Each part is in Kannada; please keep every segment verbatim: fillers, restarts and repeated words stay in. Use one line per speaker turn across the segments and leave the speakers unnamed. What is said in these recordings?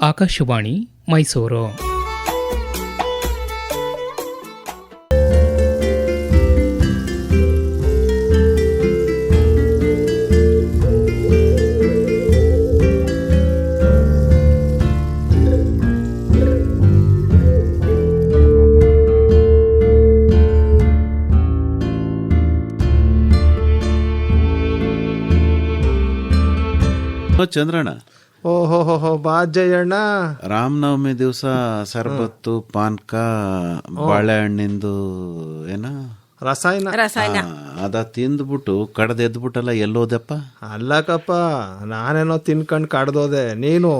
ಆಕಾಶವಾಣಿ ಮೈಸೂರು.
ಚಂದ್ರಣ್ಣ,
ಓಹೋ ಬಾ ಜಯಣ್ಣ.
ರಾಮನವಮಿ ದಿವಸ ಸರ್ಬತ್ತು, ಪಾನ್ಕ, ಬಾಳೆಹಣ್ಣಿಂದು ಏನ
ರಸಾಯನ
ರಸಾಯನ
ಅದ ತಿಂದ್ಬಿಟ್ಟು ಕಡ್ದು ಎದ್ಬಿಟ್ಟಲ್ಲ, ಎಲ್ಲೋದಪ್ಪ?
ಅಲ್ಲಕಪ್ಪ, ನಾನೇನೋ ತಿನ್ಕಂಡ್ ಕಡ್ದೋದೆ. ನೀನು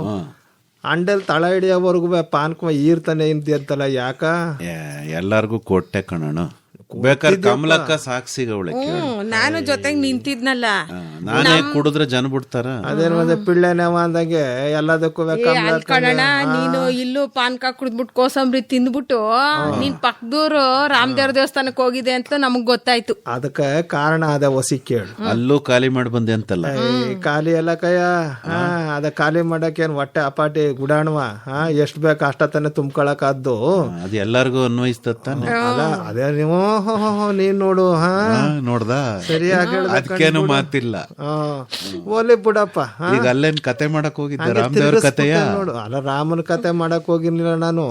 ಅಂಡೆಲ್ ತಳ ಹಿಡಿಯೋವರೆಗೂ ಪಾನ್ಕ ಈರ್ತಾನೆ ಇಂತಲ್ಲ, ಯಾಕ?
ಎಲ್ಲಾರ್ಗು ಕೊಟ್ಟೆ ಕಣಣ. ಬೇಕಾದ್ರೆ ಕಮಲಕ್ಕ ಸಾಕ್ಷಿಗವಳೆ,
ನಾನು ಜೊತೆಗೆ ನಿಂತಿದ್ನಲ್ಲ.
ನಾನೇ ಕುಡಿದ್ರೆ ಜನ ಬಿಡ್ತಾರ?
ಅದೇನು ಮತ್ತೆ ಪಿಳ್ಳೆನವ ಅಂದಂಗೆ ಎಲ್ಲದಕ್ಕೂ
ಕಣಣ, ನೀನು ಇಲ್ಲೂ ಪಾನ್ಕ ಕುಡಿದ್ಬಿಟ್ಟು ಕೋಸಂಬರಿ ತಿಂದ್ಬಿಟ್ಟು ನೀನ್ ಪಕ್ಕದೂರು ರಾಮದೇವ್ರ ದೇವಸ್ಥಾನಕ್ಕೆ ಹೋಗಿದೆ ಅಂತ ನಮಗ್ ಗೊತ್ತಾಯ್ತು.
ಅದಕ್ಕೆ ಕಾರಣ ಅದ ಹೊಸಿ ಕೇಳು.
ಅಲ್ಲೂ ಖಾಲಿ ಮಾಡಿ ಬಂದೆ ಅಂತಲ್ಲ?
ಖಾಲಿ ಎಲ್ಲ ಕಯ್ಯ, ಅದ ಖಾಲಿ ಮಾಡಕ್ ಏನ್ ಹೊಟ್ಟೆ ಅಪಾಟಿ ಗುಡಾಣವ? ಎಷ್ಟ್ ಬೇಕು ಅಷ್ಟತನೇ ತುಂಬ್ಕೊಳಕ್ ಆದ್ದು.
ಅದು ಎಲ್ಲಾರ್ಗು ಅನ್ವಯಿಸ್ತಾನೆ.
ಅಲ್ಲ ಅದೇ ನೀವು ನೀನ್ ನೋಡು. ಹಾ
ನೋಡ್ದ,
ಸರಿಯಾಗಿ
ಅದಕ್ಕೇನು ಮಾತಿಲ್ಲ.
ಓಲಿ ಬಿಡಪ್ಪ.
ಈಗ ಅಲ್ಲೇನ್ ಕತೆ ಮಾಡಕ್ ಹೋಗಿದ್ದೆ? ರಾಮದೇವ್ರ ಕತೆಯ
ನೋಡು. ಅಲ್ಲ, ರಾಮನ ಕತೆ ಮಾಡಕ್ ಹೋಗಿರ್ಲಿಲ್ಲ ನಾನು.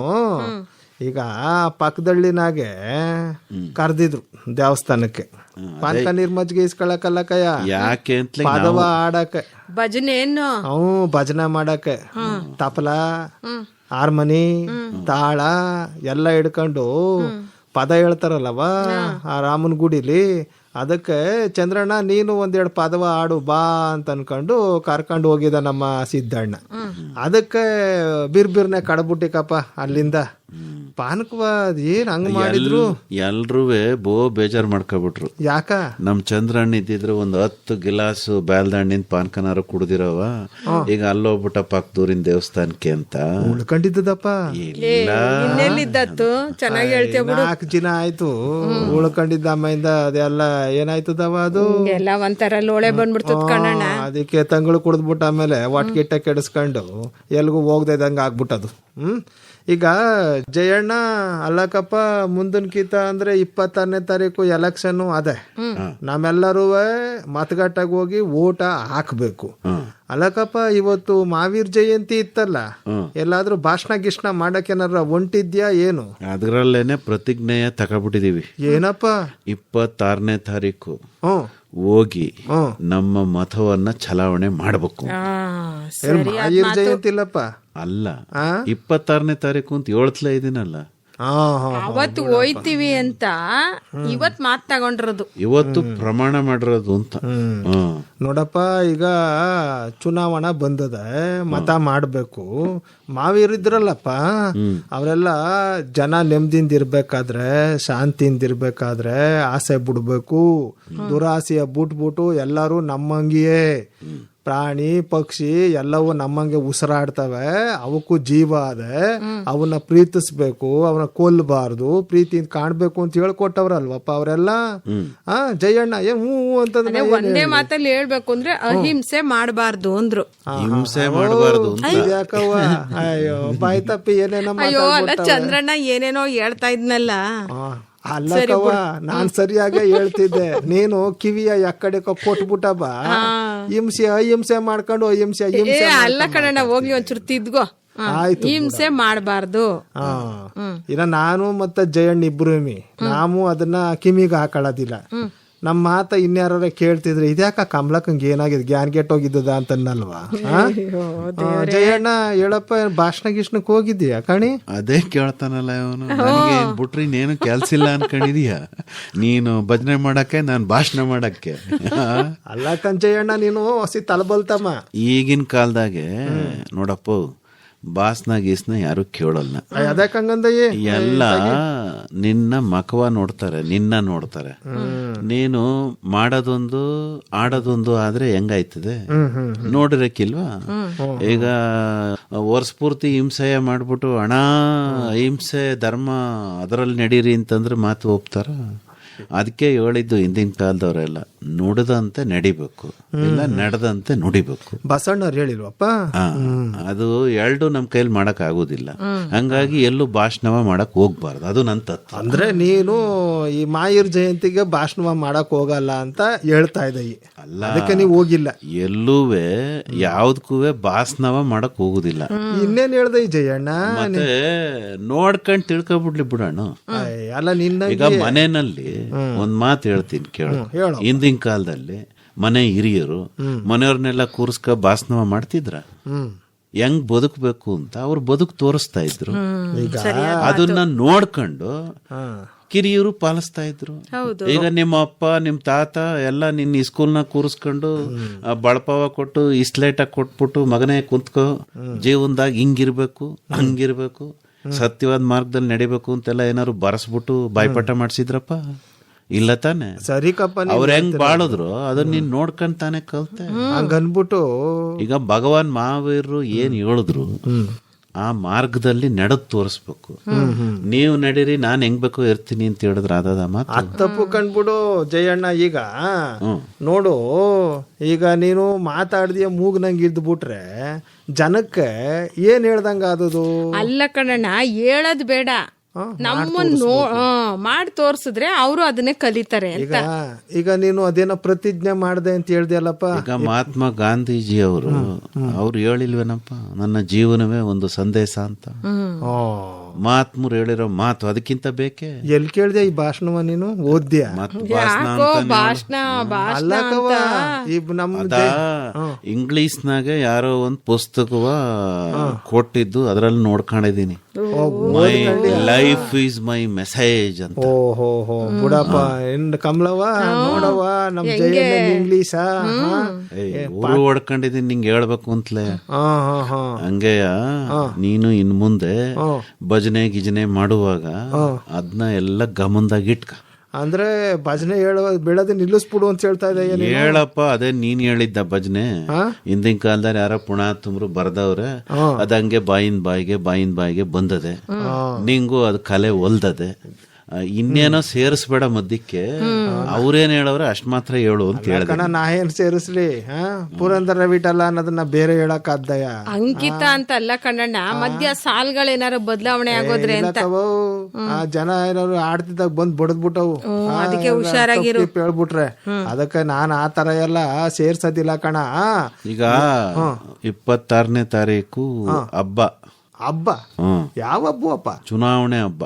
ಈಗ ಪಕ್ಕದಳ್ಳಿನಾಗೆ ಕರ್ದಿದ್ರು ದೇವಸ್ಥಾನಕ್ಕೆ ಪಾನ್ಕ ನೀರ್ ಮಜ್ಜಿಗೆ ಇಸ್ಕೊಳಕಲ್ಲ ಕಯ್ಯ.
ಯಾಕೆ ಅಂತ
ಪಾದವ ಆಡಕ್ಕೆ,
ಭಜನೆ ಏನು
ಅವು ಭಜನೆ ಮಾಡಕ್ಕೆ ತಪಲ, ಹಾರ್ಮನಿ, ತಾಳ ಎಲ್ಲ ಹಿಡ್ಕೊಂಡು ಪದ ಹೇಳ್ತಾರಲ್ಲವ ಆ ರಾಮನ ಗುಡಿಲಿ. ಅದಕ್ಕೆ ಚಂದ್ರಣ್ಣ ನೀನು ಒಂದೆರಡು ಪದವ ಆಡು ಬಾ ಅಂತ ಅನ್ಕೊಂಡು ಕರ್ಕೊಂಡು ಹೋಗಿದ ನಮ್ಮ ಸಿದ್ದಣ್ಣ. ಅದಕ್ಕೆ ಬಿರ್ಬಿರ್ನೆ ಕಡಬುಟ್ಟಿಕಪ್ಪ ಅಲ್ಲಿಂದ. ಪಾನಕವ ಏನ್ ಹಂಗ ಮಾಡಿದ್ರು?
ಎಲ್ರೂ ಬೋ ಬೇಜಾರ್ ಮಾಡ್ಕೊಬಿಟ್ರು.
ಯಾಕ?
ನಮ್ ಚಂದ್ರಣ್ಣ ಇದ್ದಿದ್ರೆ ಒಂದ್ ಹತ್ತು ಗಿಲಾಸು ಬ್ಯಾಲ್ದಣ್ಣಿನ ಪಾನ್ಕನಾರು ಕುಡ್ದಿರವ. ಈಗ ಅಲ್ಲೋಗ್ಬಿಟ್ಟ ಪಕ್ಕದೂರಿನ ದೇವಸ್ಥಾನಕ್ಕೆ ಅಂತ
ಉಳ್ಕೊಂಡಿದ್ದಪ್ಪ.
ಇನ್ನೆಲ್ಲಿದ್ದತ್ತು? ಚೆನ್ನಾಗಿ ಹೇಳ್ತೇವೆ ಬಿಡು.
ನಾಲ್ಕು ದಿನ ಆಯ್ತು ಉಳ್ಕೊಂಡಿದ್ದ. ಅಮ್ಮೆಯಿಂದ ಅದೆಲ್ಲ ಏನಾಯ್ತದವ? ಅದು
ಎಲ್ಲ ಒಂಥರ ಲೋಳೆ ಬಂದ್ಬಿಡ್ತದ ಕಣಣ್ಣ.
ಅದಕ್ಕೆ ತಂಗಳು ಕುಡಿದ್ಬಿಟ್ಟು ಆಮೇಲೆ ಒಟ್ಕಿಟ್ಟ ಕೆಡಿಸ್ಕೊಂಡು ಎಲ್ಗೂ ಹೋಗ್ದಂಗ ಆಗ್ಬಿಟ್ಟದು. ಹ್ಮ್ ಈಗ ಜಯಣ್ಣ, ಅಲ್ಲಕಪ್ಪ, ಮುಂದಿನ ಕೀತ ಅಂದ್ರೆ ಇಪ್ಪತ್ತಾರನೇ ತಾರೀಕು ಎಲೆಕ್ಷನ್ ಅದೇ. ನಾವೆಲ್ಲರೂ ಮತಗಟ್ಟಾಗ ಹೋಗಿ ಓಟ ಹಾಕ್ಬೇಕು. ಅಲ್ಲಕಪ್ಪ, ಇವತ್ತು ಮಹಾವೀರ್ ಜಯಂತಿ ಇತ್ತಲ್ಲ, ಎಲ್ಲಾದ್ರೂ ಭಾಷಣ ಗಿಷ್ಣ ಮಾಡಕ್ ಏನಾರ ಹೊಂಟಿದ್ಯಾ ಏನು?
ಅದ್ರಲ್ಲೇನೆ ಪ್ರತಿಜ್ಞೆಯ ತಗೊಬಿಟ್ಟಿದೀವಿ.
ಏನಪ್ಪ?
ಇಪ್ಪತ್ತಾರನೇ ತಾರೀಕು
ಹ್ಮ್
ಹೋಗಿ ನಮ್ಮ ಮತವನ್ನ ಚಲಾವಣೆ ಮಾಡಬೇಕು.
ಮಹಾವೀರ್ ಜಯಂತಿ ಇಲ್ಲಪ್ಪ.
ಅಲ್ಲ, ಇಪ್ಪತ್ತಾರನೇ ತಾರೀಕು ಅಂತ ಹೇಳ್ತಲೇ ಇದೀನಲ್ಲ.
ಅವತ್ತು ಹೋಯ್ತೀವಿ ಅಂತ ಇವತ್ ಮಾತ್ ತಗೊಂಡಿರೋದು,
ಇವತ್ತು ಪ್ರಮಾಣ ಮಾಡಿರೋದು ಅಂತ.
ನೋಡಪ್ಪ, ಈಗ ಚುನಾವಣಾ ಬಂದದ, ಮತ ಮಾಡ್ಬೇಕು. ಮಾವೀರಿದ್ರಲ್ಲಪ್ಪ, ಅವರೆಲ್ಲ ಜನ ನೆಮ್ಮದಿಯಿಂದ ಇರ್ಬೇಕಾದ್ರೆ, ಶಾಂತಿಯಿಂದ ಇರ್ಬೇಕಾದ್ರೆ ಆಸೆ ಬಿಡ್ಬೇಕು. ದುರಾಸೆಯ ಬಿಟ್ಬಿಟ್ಟು ಎಲ್ಲರೂ ನಮ್ಮಂಗಿಯೇ ಪ್ರಾಣಿ ಪಕ್ಷಿ ಎಲ್ಲವೂ ನಮ್ಮಂಗೆ ಉಸಿರಾಡ್ತವೆ, ಅವಕ್ಕೂ ಜೀವ ಅದೆ, ಅವನ್ನ ಪ್ರೀತಿಸ್ಬೇಕು, ಅವನ್ನ ಕೊಲ್ಲಬಾರ್ದು, ಪ್ರೀತಿಯಿಂದ ಕಾಣ್ಬೇಕು ಅಂತ ಹೇಳ್ಕೊಟ್ಟವ್ರಲ್ವಪ್ಪ ಅವರೆಲ್ಲ. ಆ ಜಯಣ್ಣ ಏನ್ ಹೂ ಅಂತಂದ್ರೆ
ಒಂದೇ ಮಾತಲ್ಲಿ ಹೇಳ್ಬೇಕು ಅಂದ್ರೆ ಅಹಿಂಸೆ ಮಾಡಬಾರ್ದು ಅಂದ್ರು.
ಹಿಂಸೆ ಮಾಡಬಾರ್ದು
ಯಾಕವ್ವ? ಅಯ್ಯೋ ಬಾಯ್ ತಪ್ಪಿ ಏನೇನೋ.
ಅಯ್ಯೋ ಅಲ್ಲ ಚಂದ್ರಣ್ಣ, ಏನೇನೋ ಹೇಳ್ತಾ ಇದ್ನಲ್ಲ.
ಅಲ್ಲಕವ್ವ, ನಾನ್ ಸರಿಯಾಗಿ ಹೇಳ್ತಿದ್ದೆ, ನೀನು ಕಿವಿಯ ಯಕ್ಕಡೆ ಕೊಟ್ಬಿಟ್ಟ ಬಾ. ಹಿಂಸೆ ಅಹಿಂಸೆ ಮಾಡ್ಕೊಂಡು ಅಹಿಂಸೆ ಅಹಿಂಸೆ
ಅಲ್ಲ ಕಣಣ್ಣ, ಹೋಗ್ಲಿ ಒಂಚೂರು ತಿದ್ಗೋ. ಹಿಂಸೆ ಮಾಡಬಾರ್ದು.
ಇನ್ನ ನಾನು ಮತ್ತೆ ಜಯಣ್ಣ ಇಬ್ರು ನಾವು ಅದನ್ನ ಕಿವಿಗೆ ಹಾಕೊಳ್ಳೋದಿಲ್ಲ. ನಮ್ಮ ಮಾತ ಇನ್ಯಾರ ಕೇಳ್ತಿದ್ರೆ ಇದ್ಯಾಕ ಕಮಲಕ್ಕಂಗೆ ಏನಾಗಿದೆ, ಗ್ಯಾನ್ ಗೆಟ್ ಹೋಗಿದ್ದದ ಅಂತನ್ನಲ್ವಾ? ಜಯಣ್ಣ ಹೇಳಪ್ಪ, ಭಾಷಣ ಗಿಷ್ಣಕ್ ಹೋಗಿದ್ದೀಯಾ ಕಣಿ?
ಅದೇ ಕೇಳ್ತಾನಲ್ಲ ಇವನು. ನನಗೆ ಬಿಟ್ರಿ ಇನ್ನೇನು ಕೆಲ್ಸ ಇಲ್ಲ ಅನ್ಕೊಂಡಿದೀಯ ನೀನು? ಭಜನೆ ಮಾಡಕ್ಕೆ, ನಾನು ಭಾಷಣ ಮಾಡಕ್ಕೆ?
ಅಲ್ಲ ಕಂಜಯಣ್ಣ, ನೀನು ಹೊಸಿ ತಲಬಲ್ತಮ್ಮ.
ಈಗಿನ ಕಾಲದಾಗೆ ನೋಡಪ್ಪ, ಬಾಸ್ನ ಗೀಸ್ನ ಯಾರು ಕೇಳಲ್ಲ. ಎಲ್ಲ ನಿನ್ನ ಮಕವ ನೋಡ್ತಾರೆ, ನಿನ್ನ ನೋಡ್ತಾರೆ. ನೀನು ಮಾಡೋದೊಂದು ಆಡೋದೊಂದು ಆದ್ರೆ ಹೆಂಗಾಯ್ತದೆ ನೋಡಿರಕ್ಕಿಲ್ವಾ? ಈಗ ವರ್ಷ ಪೂರ್ತಿ ಹಿಂಸೆ ಮಾಡ್ಬಿಟ್ಟು ಹಣ ಹಿಂಸೆ ಧರ್ಮ ಅದರಲ್ಲಿ ನಡೀರಿ ಅಂತಂದ್ರೆ ಮಾತು ಒಪ್ತಾರ? ಅದಕ್ಕೆ ಹೇಳಿದ್ದು ಹಿಂದಿನ ಕಾಲದವರೆಲ್ಲ ನುಡಿದಂತೆ ನಡಿಬೇಕು, ಇಲ್ಲ ನಡೆದಂತೆ ನುಡಿಬೇಕು.
ಬಸಣ್ಣವ್ರು ಹೇಳಿಲ್ವಪ್ಪ?
ಆ, ಅದು ಎರಡು ನಮ್ ಕೈಲಿ ಮಾಡಕ್ ಆಗುದಿಲ್ಲ. ಹಂಗಾಗಿ ಎಲ್ಲೂ ಭಾಷಣವ ಮಾಡಕ್ ಹೋಗ್ಬಾರ್ದು, ಅದು ನನ್ ತತ್ವ.
ಅಂದ್ರೆ ನೀನು ಈ ಮಾಯೂರ್ ಜಯಂತಿಗೆ ಭಾಷಣ ಮಾಡಕ್ ಹೋಗಲ್ಲ ಅಂತ ಹೇಳ್ತಾ ಇದ್ದ,
ಅಲ್ಲ
ಅದಕ್ಕೆ ನೀವು ಹೋಗಿಲ್ಲ.
ಎಲ್ಲೂವೆ ಯಾವ್ದಕ್ಕೂ ಭಾಷಣವ ಮಾಡಕ್ ಹೋಗುದಿಲ್ಲ.
ಇನ್ನೇನ್ ಹೇಳ್ದೆ ಈ ಜಯಣ್ಣ?
ಮತ್ತೆ ನೋಡ್ಕೊಂಡ್ ತಿಳ್ಕೊಬಿಡ್ಲಿ ಬಿಡೋಣ.
ಅಯ್ಯ, ಅಲ್ಲ ನಿನ್ನ
ಈಗ ಮನೆಯಲ್ಲಿ ಒಂದ್ ಮಾತು ಹೇಳ್ತೀನಿ ಕೇಳು.
ಹೇಳು.
ಹಿಂದಿನ ಕಾಲದಲ್ಲಿ ಮನೆ ಹಿರಿಯರು ಮನೆಯವ್ರನ್ನೆಲ್ಲ ಕೂರಿಸ್ಕ ಭಾಷಣ ಮಾಡ್ತಿದ್ರ.
ಹ್ಮ್
ಹೆಂಗ್ ಬದುಕಬೇಕು ಅಂತ ಅವ್ರು ಬದುಕು ತೋರಿಸ್ತಾ ಇದ್ರು.
ಈಗ
ಅದನ್ನ ನೋಡ್ಕೊಂಡು
ಹಾ
ಕಿರಿಯರು ಪಾಲಿಸ್ತಾ ಇದ್ರು. ಈಗ ನಿಮ್ಮ ಅಪ್ಪ ನಿಮ್ ತಾತ ಎಲ್ಲ ನಿನ್ನ ಸ್ಕೂಲ್ನ ಕೂರಿಸ್ಕೊಂಡು ಆ ಬಳಪವ ಕೊಟ್ಟು ಇಸ್ಲೇಟಾಗಿ ಕೊಟ್ಬಿಟ್ಟು ಮಗನೇ ಕುಂತ್ಕೋ, ಜೀವನದಾಗ ಹಿಂಗಿರ್ಬೇಕು ಹಂಗಿರ್ಬೇಕು, ಸತ್ಯವಾದ ಮಾರ್ಗದಲ್ಲಿ ನಡಿಬೇಕು ಅಂತೆಲ್ಲ ಏನಾದ್ರು ಬರಸ್ಬಿಟ್ಟು ಬಾಯ್ಪಾಠ ಮಾಡ್ಸಿದ್ರಪ್ಪ? ಇಲ್ಲ ತಾನೆ.
ಸರಿ ಕಪ್ಪ,
ಅವ್ರ ಹೆಂಗ್ ಬಾಳಿದ್ರು ಅದನ್ನ ನೀನ್ ನೋಡ್ಕೊಂಡ್ ತಾನೆ ಕಲ್ತೆ.
ಹಂಗನ್ಬಿಟ್ಟು
ಈಗ ಭಗವಾನ್ ಮಹಾವೀರರು ಏನ್ ಹೇಳಿದ್ರು ಆ ಮಾರ್ಗದಲ್ಲಿ ನಡೆದ್ ತೋರಿಸ್ಬೇಕು. ನೀವು ನಡೀರಿ ನಾನ್ ಹೆಂಗ್ ಬೇಕೋ ಇರ್ತೀನಿ ಅಂತ ಹೇಳಿದ್ರ ಅದದ ಮಾತು.
ತಪ್ಪು ಕಂಡ್ಬಿಡು ಜಯಣ್ಣ. ಈಗ ನೋಡು, ಈಗ ನೀನು ಮಾತಾಡ್ದಿಯ ಮೂಗ್ ನಂಗೆ ಇದ್ದು ಬಿಟ್ರೆ ಜನಕ್ಕೆ ಏನ್ ಹೇಳ್ದಂಗ ಆದದು?
ಅಲ್ಲ ಕಣಣ್ಣ, ಹೇಳದ್ ಬೇಡ, ನಮ್ಮನ್ನ ನೋ ಮಾಡಿ ತೋರ್ಸಿದ್ರೆ ಅವರು ಅದನ್ನೇ ಕಲಿತಾರೆ ಅಂತ.
ಈಗ ಈಗ ನೀನು ಅದೇನೋ ಪ್ರತಿಜ್ಞೆ ಮಾಡ್ದೆ ಅಂತ ಹೇಳ್ದಲ್ಲಪ್ಪ.
ಈಗ ಮಹಾತ್ಮ ಗಾಂಧೀಜಿ ಅವರು ಅವ್ರು ಹೇಳಿಲ್ವೇನಪ್ಪ, ನನ್ನ ಜೀವನವೇ ಒಂದು ಸಂದೇಶ ಅಂತ. ಮಹಾತ್ಮರು ಹೇಳಿರೋ ಮಾತು ಅದಕ್ಕಿಂತ ಬೇಕೆ?
ಎಲ್ಲಿ ಕೇಳ್ದೆ ಈ ಭಾಷಣವ ನೀನು? ಓದ್ಯ?
ಭಾಷಣ
ಅಲ್ಲ ಕವ, ಈ ನಮ್ದ
ಇಂಗ್ಲಿಷ್ನಾಗ ಯಾರೋ ಒಂದ್ ಪುಸ್ತಕವ ಕೊಟ್ಟಿದ್ದು ಅದ್ರಲ್ಲಿ ನೋಡ್ಕೊಂಡಿದೀನಿ. My life is my message ಅಂತ.
ಓಹೋ ಹೋ ಬಿಡಪ್ಪ, ಎಂಡ್ ಕಮಲವ ನೋಡವ ನಮ್ ಜಯಣ್ಣ ಇಂಗ್ಲೀಷ
ಊರು ಹೊಡ್ಕೊಂಡಿದೀನಿ ನಿಂಗೆ ಹೇಳ್ಬೇಕು ಅಂತಲೇ. ಹಂಗೆಯ ನೀನು ಇನ್ ಮುಂದೆ ಭಜನೆ ಗಿಜನೆ ಮಾಡುವಾಗ ಅದನ್ನ ಎಲ್ಲ ಗಮನದಾಗ ಇಟ್ಕ.
ಅಂದ್ರೆ ಭಜನೆ ಹೇಳ ಬೆಳದ ನಿಲ್ಲಿಸ್ಬಿಡು ಅಂತ ಹೇಳ್ತಾ ಇದ್ದ.
ಹೇಳಪ್ಪ, ಅದೇ ನೀನ್ ಹೇಳಿದ್ದ ಭಜನೆ. ಹಿಂದಿನ ಕಾಲದಲ್ಲಿ ಯಾರ ಪುಣ ತುಂಬ್ರು ಬರ್ದವ್ರೆ, ಅದಂಗೆ ಬಾಯಿನ ಬಾಯಿಗೆ ಬಾಯಿನ ಬಾಯಿಗೆ ಬಂದದೆ. ನಿಂಗೂ ಅದ್ ಕಲೆ ಒಲ್ದದೆ. ಇನ್ನೇನೋ ಸೇರಿಸ್ಬೇಡ ಮಧ್ಯಕ್ಕೆ. ಅವ್ರೇನ್ ಹೇಳವ್ರೆ ಅಷ್ಟ್ ಮಾತ್ರ ಹೇಳು ಅಂತ ಹೇಳ್ದ.
ನಾ ಏನ್ ಸೇರಿಸ್ಲಿ? ಪುರಂದರ ವಿಠಲ ಅನ್ನೋದನ್ನ ಬೇರೆ ಹೇಳಕ್ ಆದ್ದಯ.
ಅಂಕಿತ ಅಂತ ಅಲ್ಲ ಕಣ್ಣಣ್ಣ, ಮಧ್ಯ ಸಾಲ್ಗಳೇನಾರು ಬದಲಾವಣೆ ಆಗೋದ್ರೆ ಅಂತ.
ಆ ಜನ ಏನಾರು ಆಡ್ತಿದ್ದಾಗ ಬಂದ್ ಬಡದ್ಬಿಟ್ಟವು,
ಅದಕ್ಕೆ ಹುಷಾರಾಗಿರು
ಹೇಳ್ಬಿಟ್ರೆ. ಅದಕ್ಕೆ ನಾನ್ ಆ ತರ ಎಲ್ಲ ಸೇರ್ಸೋದಿಲ್ಲ ಕಣ.
ಈಗ ಇಪ್ಪತ್ತಾರನೇ ತಾರೀಕು ಹಬ್ಬ.
ಹಬ್ಬ? ಯಾವ ಹಬ್ಬ ಅಪ್ಪ?
ಚುನಾವಣೆ ಹಬ್ಬ.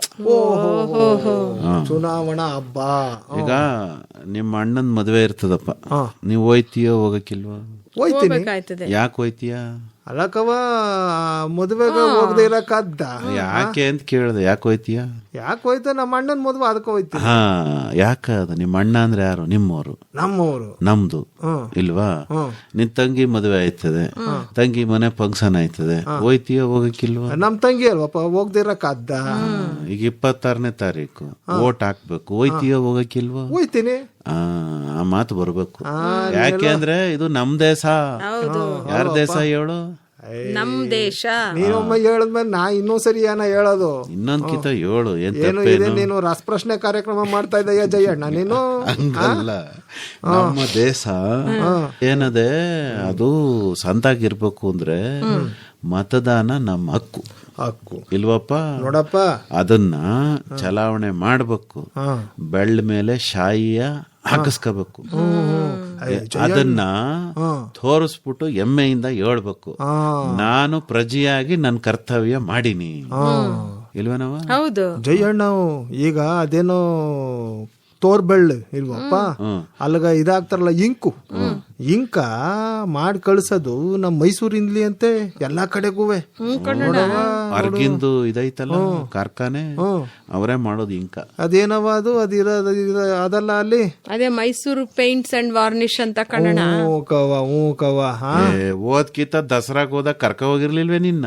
ಚುನಾವಣಾ ಹಬ್ಬ.
ಈಗ ನಿಮ್ಮ ಅಣ್ಣನ್ ಮದ್ವೆ ಇರ್ತದಪ್ಪ, ನೀವ್ ಹೋಯ್ತೀಯೋ ಹೋಗಕ್ಕಿಲ್ವಾ?
ಹೋಯ್ತೀನಿ.
ಯಾಕೆ ಹೋಯ್ತೀಯ?
ಅಲ್ಲಕವ ಮದುವೆಗೆ ಹೋಗದೆ ಇರಕ್ಕಾದ್ದ?
ಯಾಕೆ ಅಂತ ಕೇಳ್ದೆ. ಯಾಕೆ ಹೋಯ್ತೀಯ?
ಯಾಕೆ ಹೋಯ್ತ? ನಮ್ಮ ಅಣ್ಣನ ಮದುವೆ, ಅದಕ್ಕೆ ಹೋಯ್ತೀನಿ.
ಹಾ, ಯಾಕ? ಅದ ನಿಮ್ಮ ಅಣ್ಣ ಅಂದ್ರೆ ಯಾರು? ನಿಮ್ಮವರು?
ನಮ್ಮವರು.
ನಮ್ದು ಇಲ್ವಾ? ನಿನ್ ತಂಗಿ ಮದುವೆ ಆಯ್ತದೆ, ತಂಗಿ ಮನೆ ಫಂಕ್ಷನ್ ಆಯ್ತದೆ, ಹೋಯ್ತೀಯೋ ಹೋಗಕ್ಕಿಲ್ವಾ?
ನಮ್ ತಂಗಿ ಅಲ್ವಪ್ಪ, ಹೋಗದೆ ಇರಕ್ಕಾದ್ದ?
ಈಗ ಇಪ್ಪತ್ತಾರನೇ ತಾರೀಕು ಓಟ್ ಹಾಕ್ಬೇಕು, ಹೋಯ್ತೀಯೋ ಹೋಗಕ್ಕಿಲ್ವಾ?
ಹೋಯ್ತೀನಿ.
ಆ ಮಾತು ಬರ್ಬೇಕು. ಯಾಕೆ ಅಂದ್ರೆ ಇದು ನಮ್ ದೇಶ. ಯಾರ ದೇಶ ಹೇಳು?
ನಮ್ ದೇಶ.
ನೀನೊಮ್ಮೆ ಹೇಳದ್ಮೇಲೆ ನಾ ಇನ್ನೊಂದ್ಸರಿ ಏನ ಹೇಳೋದು?
ಇನ್ನೊಂದ್ ಕಿತ ಹೇಳು.
ಏನು ಇದೆ? ನೀನು ರಸಪ್ರಶ್ನೆ ಕಾರ್ಯಕ್ರಮ ಮಾಡ್ತಾ ಇದ್ದೀಯ ಜಯಣ್ಣ ನೀನು?
ಹಂಗಲ್ಲ, ನಮ್ಮ ದೇಶ ಏನದೆ ಅದು ಸಂತಾಗಿರ್ಬೇಕು ಅಂದ್ರೆ ಮತದಾನ ನಮ್ಮ ಹಕ್ಕು.
ಹಕ್ಕು
ಇಲ್ವಪ್ಪ?
ನೋಡಪ್ಪ,
ಅದನ್ನ ಚಲಾವಣೆ ಮಾಡ್ಬೇಕು. ಬೆಳ್ಳ ಮೇಲೆ ಶಾಯಿಯ ಹಾಕಿಸ್ಕೋಬೇಕು. ಅದನ್ನ ತೋರಿಸ್ಬಿಟ್ಟು ಹೆಮ್ಮೆಯಿಂದ ಹೇಳ್ಬೇಕು, ನಾನು ಪ್ರಜೆಯಾಗಿ ನನ್ನ ಕರ್ತವ್ಯ ಮಾಡೀನಿ. ಇಲ್ವೇನವ?
ಹೌದು
ಜಯಣ್ಣ. ಈಗ ಅದೇನೋ ತೋರ್ಬೆಳ್ಳು ಇಲ್ವಪ್ಪ, ಅಲ್ಗ ಇದಾಗ್ತಾರಲ್ಲ ಇಂಕು, ಇಂಕ ಮಾಡಿ ಕಳ್ಸೋದು ನಮ್ ಮೈಸೂರಿಂದ್ಲಿ ಅಂತೆ ಎಲ್ಲಾ ಕಡೆಗೂ.
ಅರ್ಗಿಂದು ಇದೈತಲ್ಲ ಕಾರ್ಖಾನೆ, ಅವರೇ ಮಾಡೋದು ಇಂಕ.
ಅದೇನವ ಅದು? ಅದಿರೋದು ಅದಲ್ಲ ಅಲ್ಲಿ?
ಅದೇ ಮೈಸೂರು ಪೇಂಟ್ಸ್ ಅಂಡ್ ವಾರ್ನಿಶ್ ಅಂತ ಕನ್ನಡ.
ಹ್ಞೂ ಕವ, ಹ್ಞೂ ಕವ.
ಓದ್ಕಿತ ದಸರಾಗ ಹೋದಾಗ ಕರ್ಕ ಹೋಗಿರ್ಲಿಲ್ವೇ ನಿನ್ನ?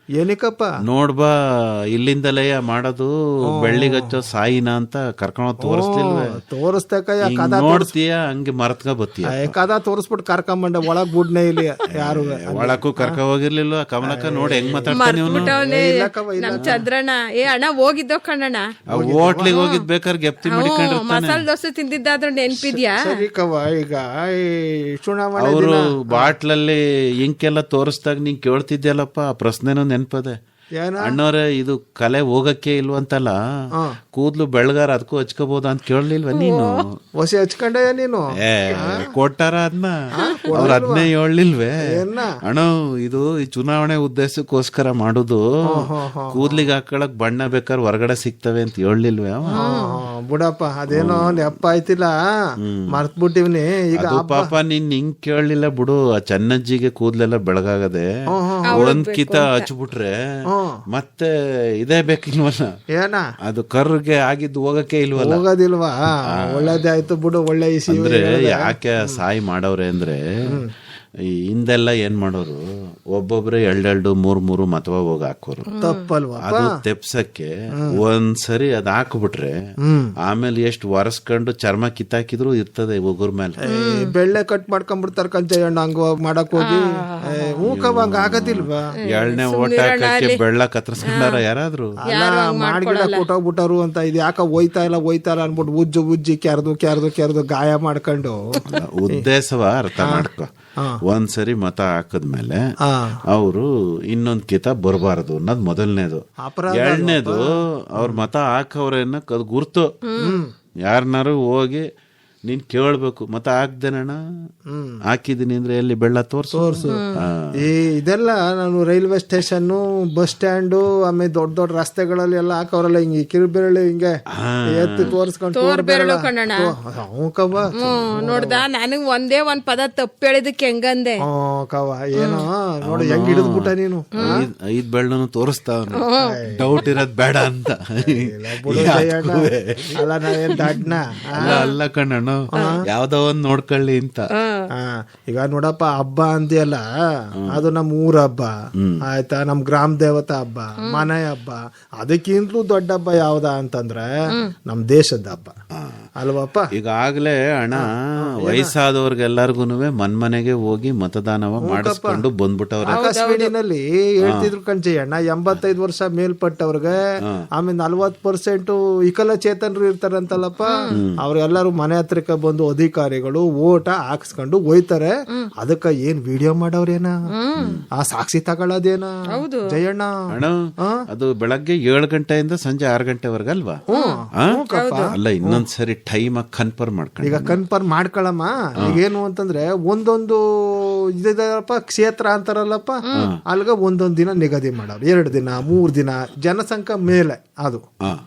ಏನಕ್ಕಪ್ಪ
ನೋಡ್ಬಾ ಇಲ್ಲಿಂದಲೇ ಮಾಡೋದು ಬೆಳ್ಳಿಗೆ ಹಚ್ಚೋ ಸಾಯಿನ ಅಂತ ಕರ್ಕೊಂಡ್ ತೋರಿಸ್ತಿಲ್ವೇ
ತೋರಿಸ್ತೇಕಯ್ಯ
ಹಿಂಗ್
ಕದ
ನೋಡ್ತೀಯ ಹಂಗೆ ಮರತ್ಕ ಬತ್ತೀಯ
ಏ, ಕದ ತೋರಿಸ್ಬಿಟ್ಟು ಕರ್ಕೊಂಬಂಡೆ ಒಳಗ್ ಬುಡ್ನೆ ಇಲ್ಲಿ ಯಾರು
ಒಳಕ್ಕೂ ಕರ್ಕ ಹೋಗಿರ್ಲಿಲ್ವ ಕಮಲಕ್ಕ ನೋಡಿ ಹೆಂಗ್ ಮಾತಾಡ್ತಾನೆ ಇವನು
ಬಿಟ್ಟವ್ನೆ ನಮ್ ಚಂದ್ರಣ್ಣ ಏ ಅಣ್ಣ ಹೋಗಿದ್ದೋ ಕಣ್ಣಣ್ಣ
ಹೋಟ್ಲಿಗೆ ಹೋಗಿದ್ ಬೇಕಾದ್ರೆ ಗೆಪ್ತಿ ಮಾಡಿಕೊಂಡಿರ್ತಾನೆ
ಮಸಾಲೆ ದೋಸೆ ತಿಂದಿದ್ದಾದ್ರೂ ನೆನ್ಪಿದ್ಯಾ
ಸರಿ ಕವ ಈಗ ಈ ಚುನಾವಣೆ
ಅವರು ಬಾಟ್ಲಲ್ಲಿ ಇಂಕೆಲ್ಲ ತೋರಿಸ್ದಾಗ ನೀನ್ ಕೇಳ್ತಿದ್ಯಲ್ಲಪ್ಪ ಆ ಪ್ರಶ್ನೆನೂ ನೆನ್ಪದೆ
ಏನ
ಅಣ್ಣವ್ರೆ ಇದು ಕಲೆ ಹೋಗಕ್ಕೆ ಇಲ್ವಂತಲ್ಲ ಕೂದ್ಲು ಬೆಳಗಾರ ಅದಕ್ಕೂ ಹಚ್ಕೋಬಹುದ ಅಂತ ಕೇಳಲಿಲ್ವ ನೀನು
ಹೊಸಿ ಹಚ್ಕೊಂಡಯ್ಯ ನೀನು
ಏ ಕೊಟ್ಟಾರ ಅದನ್ನ ಅವ್ರ ಅದನ್ನೇ ಹೇಳಲಿಲ್ವೇ ಅಣ್ಣ ಇದು ಈ ಚುನಾವಣೆ ಉದ್ದೇಶಕ್ಕೋಸ್ಕರ ಮಾಡುದು ಕೂದ್ಲಿಗೆ ಹಾಕೊಳಕ್ ಬಣ್ಣ ಬೇಕಾದ್ರೆ ಹೊರಗಡೆ ಸಿಗ್ತವೆ ಅಂತ ಹೇಳಲಿಲ್ವೇ ಅವ
ಬಿಡಪ್ಪ ಅದೇನೋ ನೆಪ್ಪ ಆಯ್ತಿಲ್ಲ ಮರ್ತ್ ಬಿಟ್ಟಿವ್ನಿ ಈಗ
ಅದು ಪಾಪ ನೀನ್ ಹಿಂಗ್ ಕೇಳಲಿಲ್ಲ ಬಿಡು ಆ ಚೆನ್ನಜ್ಜಿಗೆ ಕೂದ್ಲೆಲ್ಲ ಬೆಳಗಾಗದೆ ಒಂದ್ ಕಿತ ಹಚ್ಬಿಟ್ರೆ ಮತ್ತೆ ಇದೇ ಬೇಕಿಲ್ವಲ್ಲ
ಏನ
ಅದು ಕರ್ಗೆ ಆಗಿದ್ದು ಹೋಗಕ್ಕೆ ಇಲ್ವಲ್ಲ
ಹೋಗೋದಿಲ್ವಾ ಒಳ್ಳೇದೇ ಆಯ್ತು ಬಿಡು ಒಳ್ಳೆ ಇಸಿ
ಅಂದ್ರೆ ಯಾಕೆ ಸಾಯಿ ಮಾಡವ್ರೆ ಅಂದ್ರೆ ಈ ಹಿಂದೆಲ್ಲ ಏನ್ ಮಾಡೋರು ಒಬ್ಬೊಬ್ರೆ ಎರಡೆರಡು ಮೂರ್ ಮೂರು ಮತವ ಹೋಗಿ ಹಾಕೋರು
ತಪ್ಪಲ್ವಾ
ಅದು ತೆಪ್ಸಕ್ಕೆ ಒಂದ್ಸರಿ ಅದ್ ಹಾಕ್ಬಿಟ್ರೆ ಆಮೇಲೆ ಎಷ್ಟು ಒರೆಸ್ಕೊಂಡು ಚರ್ಮ ಕಿತ್ತಾಕಿದ್ರು ಇರ್ತದೆ ಒಗುರ್ ಮೇಲೆ
ಬೆಳ್ಳೆ ಕಟ್ ಮಾಡ್ಕೊಂಡ್ಬಿಡ್ತಾರ ಕಂಚಯ್ಯಣ್ಣ ಹಂಗ ಮಾಡಕ್ ಹೋಗಿ ಹೂಕವ ಹಂಗ ಆಗದಿಲ್ವಾ
ಎಳ್ನೆ ಓಟ್ ಹಾಕಕ್ಕೆ ಬೆಳ್ಳ ಕತ್ತರಿಸ್ಕೊಂಡಾರ ಯಾರಾದ್ರು
ಅಲ್ಲ ಮಾಡ್ಗಿಡ ಕೊಟ್ಟೋಗ್ಬಿಟ್ಟಾರು ಅಂತ ಇದು ಯಾಕ ಹೋಯ್ತಾ ಇಲ್ಲ ಹೋಯ್ತಾ ಇಲ್ಲ ಅನ್ಬಿಟ್ಟು ಉಜ್ಜು ಉಜ್ಜಿ ಕೆರ್ದು ಕೆರ್ದು ಕೆರ್ದು ಗಾಯ ಮಾಡ್ಕೊಂಡು
ಉದ್ದೇಶವ ಅರ್ಥ ಮಾಡ್ಕೊ ಒಂದ್ಸರಿ ಮತ ಹಾಕದ್ಮೇಲೆ ಅವರು ಇನ್ನೊಂದ್ ಕಿತ ಬರಬಾರದು ಅನ್ನೋದು ಮೊದಲನೇದು ಎರಡನೇದು ಅವ್ರ ಮತ ಹಾಕವ್ರೆ ಅನ್ನಕ್ ಅದು ಗುರ್ತು ಯಾರನ್ನಾರು ಹೋಗಿ ನೀನ್ ಕೇಳ್ಬೇಕು ಮತ ಹಾಕ್ದೇನಣ್ಣ ಹಾಕಿದೀನಿ ಅಂದ್ರೆ ಎಲ್ಲಿ ಬೆಳ್ಳ ತೋರ್ಸು
ತೋರ್ಸು ಈ ಇದೆಲ್ಲ ನಾನು ರೈಲ್ವೆ ಸ್ಟೇಷನ್ ಬಸ್ ಸ್ಟ್ಯಾಂಡು ಆಮೇಲೆ ದೊಡ್ಡ ದೊಡ್ಡ ರಸ್ತೆಗಳಲ್ಲಿ ಎಲ್ಲ ಹಾಕವ್ರಲ್ಲ ಹಿಂಗೆ ಕಿರುಬೆರಳು ಹಿಂಗೆ ಎತ್ತಿ ತೋರ್ಸ್ಕೊಂಡು
ತೋರ್ಬೆರಳು ಕಣ್ಣಣ್ಣ
ಕವ
ನೋಡ್ದ ನನಗ್ ಒಂದೇ ಒಂದ್ ಪದ ತಪ್ಪು ಹೇಳಿದಕ್ಕೆ ಹೆಂಗಂದೆ
ಕವ ಏನೋ ನೋಡಿ ಹೆಂಗ್ ಹಿಡಿದ್ಬಿಟ್ಟ ನೀನು
ಐದ್ ಬೆಳ್ಳನು ತೋರಿಸ್ತಾವನು ಡೌಟ್ ಇರೋದ್ ಬೇಡ ಅಂತ
ಅಲ್ಲ ನಾವೇನ್ ದಡ್ನ
ಅಲ್ಲ ಕಣ್ಣಣ್ಣ ಯಾವ್ದೋ ಒಂದ್ ನೋಡ್ಕೊಳ್ಳಿ ಅಂತ
ಈಗ ನೋಡಪ್ಪ ಹಬ್ಬ ಅಂತೀಯಲ್ಲ ಅದು ನಮ್ ಊರ ಹಬ್ಬ ಆಯ್ತಾ ನಮ್ ಗ್ರಾಮ ದೇವತಾ ಹಬ್ಬ ಮನೆ ಹಬ್ಬ ಅದಕ್ಕಿಂತಲೂ ದೊಡ್ಡ ಹಬ್ಬ ಯಾವ್ದ ಅಂತಂದ್ರೆ ನಮ್ ದೇಶದ ಹಬ್ಬ ಅಲ್ವಪ್ಪ.
ಈಗಾಗ್ಲೇ ಅಣ್ಣ ವಯಸ್ಸಾದವ್ರಿಗೆಲ್ಲರಿಗೂನುವೆ ಮನ್ಮನೆಗೆ ಹೋಗಿ ಮತದಾನವ ಮಾಡಿಸ್ಕೊಂಡು ಬಂದ್ಬಿಟ್ಟವ್ರೆ.
ಆಕಾಶವಾಣಿನಲ್ಲಿ ಹೇಳ್ತಿದ್ರು ಕಣ್ಜಯ್ಯಣ್ಣ ಎಂಬತ್ತೈದು ವರ್ಷ ಮೇಲ್ಪಟ್ಟವ್ರಿಗೆ ಆಮೇಲೆ ನಲ್ವತ್ ಪರ್ಸೆಂಟ್ ವಿಕಲಚೇತನರು ಇರ್ತಾರಂತಲ್ಲಪ್ಪ ಅವ್ರೆಲ್ಲರೂ ಮನೆ ಹತ್ರಕ್ಕೆ ಬಂದು ಅಧಿಕಾರಿಗಳು ಓಟ ಹಾಕ್ಸ್ಕೊಂಡು ಹೋಯ್ತಾರೆ. ಅದಕ್ಕ ಏನ್ ವಿಡಿಯೋ ಮಾಡವ್ರೇನ ಆ ಸಾಕ್ಷಿ ತಗೊಳ್ಳೋದೇನ ಜಯಣ್ಣ
ಅಣ್ಣ ಅದು ಬೆಳಗ್ಗೆ ಏಳು ಗಂಟೆಯಿಂದ ಸಂಜೆ ಆರು ಗಂಟೆವರೆಗೆ ಅಲ್ವಾ? ಅಲ್ಲ ಇನ್ನೊಂದ್ಸರಿ ಟೈಮ್ ಕನ್ಫರ್ಮ್ ಮಾಡ್ಕೊಂಡು
ಈಗ ಕನ್ಫರ್ಮ್ ಮಾಡ್ಕೊಳಮ್ಮ. ಈಗೇನು ಅಂತಂದ್ರೆ ಒಂದೊಂದು ಇದಪ್ಪ ಕ್ಷೇತ್ರ ಅಂತಾರಲ್ಲಪ್ಪ ಅಲ್ಗ ಒಂದೊಂದ್ ದಿನ ನಿಗದಿ ಮಾಡೋರು, ಎರಡು ದಿನ ಮೂರ್ ದಿನ ಜನಸಂಖ್ಯೆ ಮೇಲೆ ಅದು.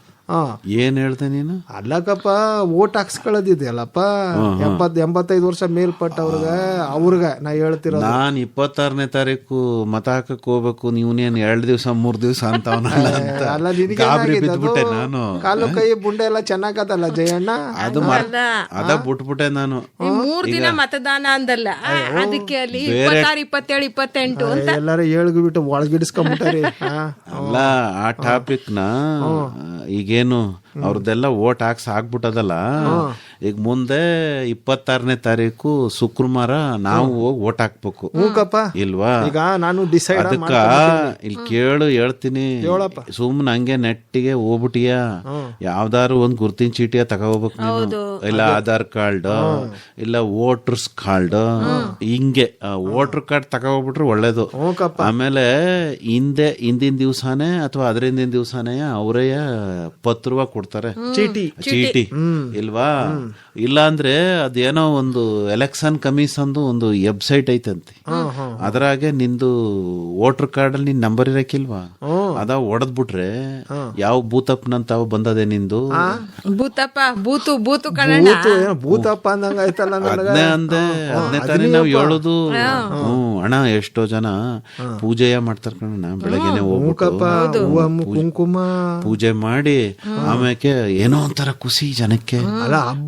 ಏನ್ ಹೇಳ್ದೆ ನೀನು?
ಅಲ್ಲಕಪ್ಪ ಓಟ್ ಹಾಕ್ಸ್ಕೊಳ್ಳೋದಿದೆಯಲ್ಲಪ್ಪ ಎಂಬತ್ ಎಂಬತ್ತೈದು ವರ್ಷ ಮೇಲ್ಪಟ್ಟವ್ರಿಗೆ ಅವ್ರಿಗೆ ನಾ ಹೇಳ್ತಿರೋ
ನಾನ್ ಇಪ್ಪತ್ತಾರನೇ ತಾರೀಕು ಮತ ಹಾಕಕ್ ಹೋಗ್ಬೇಕು, ನೀವನೇನ್ ಎರಡ್ ದಿವ್ಸ ಮೂರ್ ದಿವ್ಸ ಅಂತ
ಅಲ್ಲ
ಬಿಟ್ಬಿಟ್ಟೆ ನಾನು.
ಕಾಲು ಕೈ ಬುಂಡೆ ಎಲ್ಲ ಚೆನ್ನಾಗದಲ್ಲ ಜಯಣ್ಣ,
ಅದು ಅದ ಬಿಟ್ಬಿಟ್ಟೆ ನಾನು.
ಮೂರ್ ದಿನ ಮತದಾನ ಅಂದಲ್ಲ ಅದಕ್ಕೆ ಅಲ್ಲಿ ಇಪ್ಪತ್ತಾರು ಇಪ್ಪತ್ತೇಳು ಇಪ್ಪತ್ತೆಂಟು ಅಂತ
ಎಲ್ಲಾರು ಏಳ್ಗು ಬಿಟ್ಟು ಒಳಗಿಡಿಸ್ಕೊಂಡ್ಬಿಟ್ಟಾರಿ.
ಅಲ್ಲ ಆ ಟಾಪಿಕ್ ನ ಈಗೇನು ಅವ್ರದ್ದೆಲ್ಲ ಓಟ್ ಹಾಕ್ಸ್ ಆಗ್ಬಿಟ್ಟದಲ್ಲ. ಈಗ ಮುಂದೆ ಇಪ್ಪತ್ತಾರನೇ ತಾರೀಕು ಶುಕ್ರವಾರ ನಾವು ಹೋಗಿ ಓಟ್ ಹಾಕ್ಬೇಕು ಇಲ್ವಾ?
ಈಗ ನಾನು ಡಿಸೈಡ್
ಅದಕ್ಕ ಇಲ್ಲಿ ಕೇಳು ಹೇಳ್ತೀನಿ, ಸುಮ್ನೆ ಹಂಗೆ ನೆಟ್ಟಿಗೆ ಹೋಗ್ಬಿಟ್ಟಿಯ ಯಾವ್ದಾರು ಒಂದ್ ಗುರ್ತಿನ ಚೀಟಿಯ ತಗೋಬೇಕು ನೀನು, ಇಲ್ಲ ಆಧಾರ್ ಕಾರ್ಡ್ ಇಲ್ಲ ವೋಟರ್ಸ್ ಕಾರ್ಡ್, ಹಿಂಗೆ ವೋಟರ್ ಕಾರ್ಡ್ ತಗೋಬಿಟ್ರೆ ಒಳ್ಳೇದು. ಆಮೇಲೆ ಹಿಂದೆ ಹಿಂದಿನ ದಿವ್ಸಾನೇ ಅಥವಾ ಅದರಿಂದಿನ ದಿವ್ಸಾನೇ ಅವರೇ ಪತ್ರವ ಕೊಡ್ತಾರೆ, ಚೀಟಿ ಚೀಟಿ ಇಲ್ವಾ? ಇಲ್ಲ ಅಂದ್ರೆ ಅದೇನೋ ಒಂದು ಎಲೆಕ್ಷನ್ ಕಮಿಷನ್ ಒಂದು ವೆಬ್ಸೈಟ್ ಐತಂತೆ, ಅದ್ರಾಗೆ ನಿಂದು ವೋಟರ್ ಕಾರ್ಡ್ ಅಲ್ಲಿ ನಿನ್ ನಂಬರ್ ಇರಕ್ಕಿಲ್ವಾ? ಅದ ಹೊಡೆದ್ ಬಿಟ್ರೆ ಯಾವ ಬೂತಪ್ಪನಂತ ಬಂದದೆ ನಿಂದು.
ಭೂತಪ್ಪ ಬೂತು ಬೂತು
ಭೂತಪ್ಪ ಅಂದಂಗ ಆಯ್ತಲ್ಲ.
ಅದನ್ನೇ ಅಂದೆ, ಅದನ್ನೇ ತಾನೇ ನಾವ್ ಹೇಳುದು. ಹ್ಮ್ ಅಣ್ಣ ಎಷ್ಟೋ ಜನ ಪೂಜೆಯ ಮಾಡ್ತಾರ ಕಣ, ಬೆಳಗ್ಗೆನೆ ಹೋಗ್ಬಿಟ್ಟು
ಕುಂಕುಮ
ಪೂಜೆ ಮಾಡಿ ಆಮೇಲೆ ಏನೋ ಒಂಥರ ಖುಷಿ ಜನಕ್ಕೆ.
ಅಲ್ಲ ಹಬ್ಬ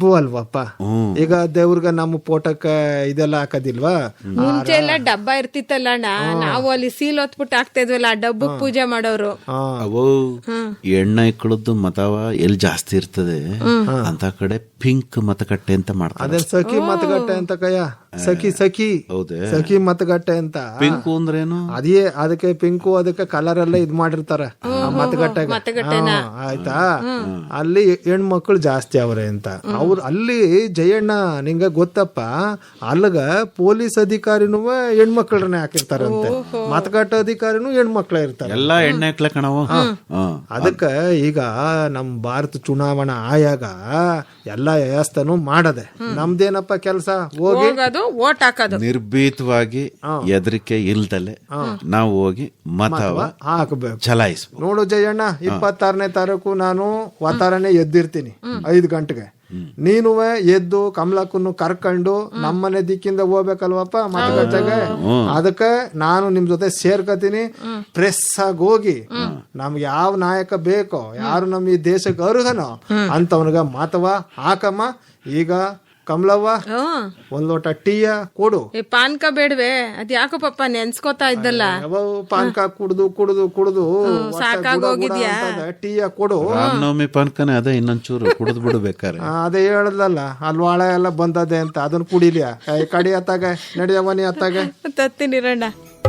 ಅಲ್ವಪ್ಪ. ಈಗ ದೇವ್ರಿಗೆ ನಮ್ಮ ಫೋಟೋಕ್ಕೆ ಇದೆಲ್ಲ ಹಾಕೋದಿಲ್ವಾ?
ಮುಂಚೆ ಎಲ್ಲ ಡಬ್ಬ ಇರ್ತಿತ್ತಲ್ಲ ಅಣ್ಣ, ನಾವು ಅಲ್ಲಿ ಸೀಲ್ ಹೊತ್ಬಿಟ್ಟು ಹಾಕ್ತಾ ಇದ್ವಲ್ಲ, ಆ ಡಬ್ಬಕ್ ಪೂಜೆ ಮಾಡೋರು.
ಅವು ಎಣ್ಣ ಇಕ್ಕಳದ್ದು ಮತವ ಎಲ್ಲಿ ಜಾಸ್ತಿ ಇರ್ತದೆ ಅಂತ ಕಡೆ ಪಿಂಕ್ ಮತಗಟ್ಟೆ ಅಂತ ಮಾಡ್ತಾರೆ.
ಅದೇ ಸಖಿ ಮತಗಟ್ಟೆ ಅಂತ ಕಯ್ಯ, ಸಖಿ ಸಖಿ ಸಖಿ ಮತಗಟ್ಟೆ ಅಂತ.
ಪಿಂಕು ಅಂದ್ರೇನು?
ಅದೇ ಅದಕ್ಕೆ ಪಿಂಕು, ಅದಕ್ಕೆ ಕಲರ್ ಎಲ್ಲ ಇದ್ ಮಾಡಿರ್ತಾರೆ ಮತಗಟ್ಟೆ. ಆಯ್ತಾ, ಅಲ್ಲಿ ಹೆಣ್ಮಕ್ಳು ಜಾಸ್ತಿ ಅವ್ರೆ ಅಂತ. ಅವ್ರು ಅಲ್ಲಿ ಜಯಣ್ಣ ನಿಂಗ ಗೊತ್ತಪ್ಪ, ಅಲ್ಲಗ ಪೊಲೀಸ್ ಅಧಿಕಾರಿನೂ ಹೆಣ್ಮಕ್ಳನ್ನೇ ಹಾಕಿರ್ತಾರಂತೆ, ಮತಗಟ್ಟೆ ಅಧಿಕಾರಿನೂ ಹೆಣ್ಮಕ್ಳೇ ಇರ್ತಾರೆ.
ಎಲ್ಲಾ ಎಣ್ಣೆ ಹಾಕ್ಲ ಕಣವ.
ಅದಕ್ಕ ಈಗ ನಮ್ ಭಾರತ ಚುನಾವಣಾ ಆಯೋಗ ಎಲ್ಲಾ ವ್ಯವಸ್ಥೆನೂ ಮಾಡದೆ, ನಮ್ದೇನಪ್ಪ ಕೆಲಸ ಹೋಗಿ
ಓಟ್ ಹಾಕೋದು.
ನಿರ್ಭೀತವಾಗಿ ಹೆದರಿಕೆ ಇಲ್ದಲೆ ನಾವು ಹೋಗಿ ಮತವ
ಹಾಕಬೇಕು,
ಚಲಾಯಿಸ್ಬೇಕು.
ನೋಡು ಜಯಣ್ಣ, ಇಪ್ಪತ್ತಾರನೇ ತಾರೀಕು ನಾನು ವಾತಾರನೆ ಎದ್ದಿರ್ತೀನಿ ಐದು ಗಂಟೆಗೆ. ನೀನು ಎದ್ದು ಕಮಲಕ್ಕನ್ನು ಕರ್ಕೊಂಡು ನಮ್ಮನೆ ದಿಕ್ಕಿಂದ ಹೋಗ್ಬೇಕಲ್ವಪ್ಪ ಮತಗಟ್ಟೆಗೆ. ಅದಕ್ಕೆ ನಾನು ನಿಮ್ ಜೊತೆ ಸೇರ್ಕತೀನಿ. ಪ್ರೆಸ್ ಆಗಿ ಹೋಗಿ ನಮ್ಗೆ ಯಾವ ನಾಯಕ ಬೇಕೋ, ಯಾರು ನಮ್ ಈ ದೇಶಕ್ಕೆ ಅರ್ಹನೋ ಅಂತವನಿಗ ಮತವ ಹಾಕಮ್ಮ. ಈಗ ಕಮಲವ್ವ, ಒಂದ್ ಲೋಟ ಟೀಯ ಕೊಡು.
ಪಾನ್ಕ ಬೇಡವೆ? ಅದ್ ಯಾಕೋ ಪಪ್ಪ ನೆನ್ಸ್ಕೋತಾ ಇದ್ದಲ್ಲ,
ಪಾನ್ಕ ಕುಡ್ದು ಕುಡ್ದು ಕುಡ್ದು
ಸಾಕಾಗೋಗಿದ್ಯಾ?
ಟೀಯ ಕೊಡು.
ರಾಮನವಮಿ ಪಾನ್ಕನೇ ಅದೇ, ಇನ್ನೊಂಚೂರು ಕುಡಿದ್ ಬಿಡ್ಬೇಕಾರೆ.
ಅದೇ ಹೇಳದಲ್ಲ, ಅಲ್ಲಿ ಒಳ ಎಲ್ಲ ಬಂದದೆ ಅಂತ, ಅದನ್ನ ಕುಡಿಲಿಯ ಕಡಿ ಅತ್ತಾಗ ನಡಿಯವನಿ ಅತ್ತಾಗ
ತತ್ತಿನಿರಣ್ಣ.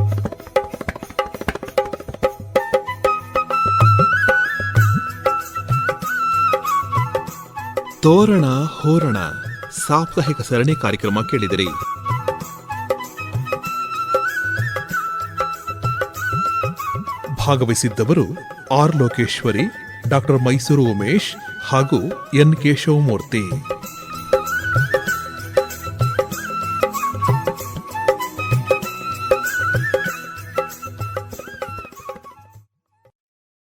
ತೋರಣ ಹೋರಣ ಸಾಪ್ತಾಹಿಕ ಸರಣಿ ಕಾರ್ಯಕ್ರಮ ಕೇಳಿದಿರಿ. ಭಾಗವಹಿಸಿದ್ದವರು ಆರ್ ಲೋಕೇಶ್ವರಿ, ಡಾಕ್ಟರ್ ಮೈಸೂರು ಉಮೇಶ್ ಹಾಗೂ ಎನ್ ಕೇಶವಮೂರ್ತಿ.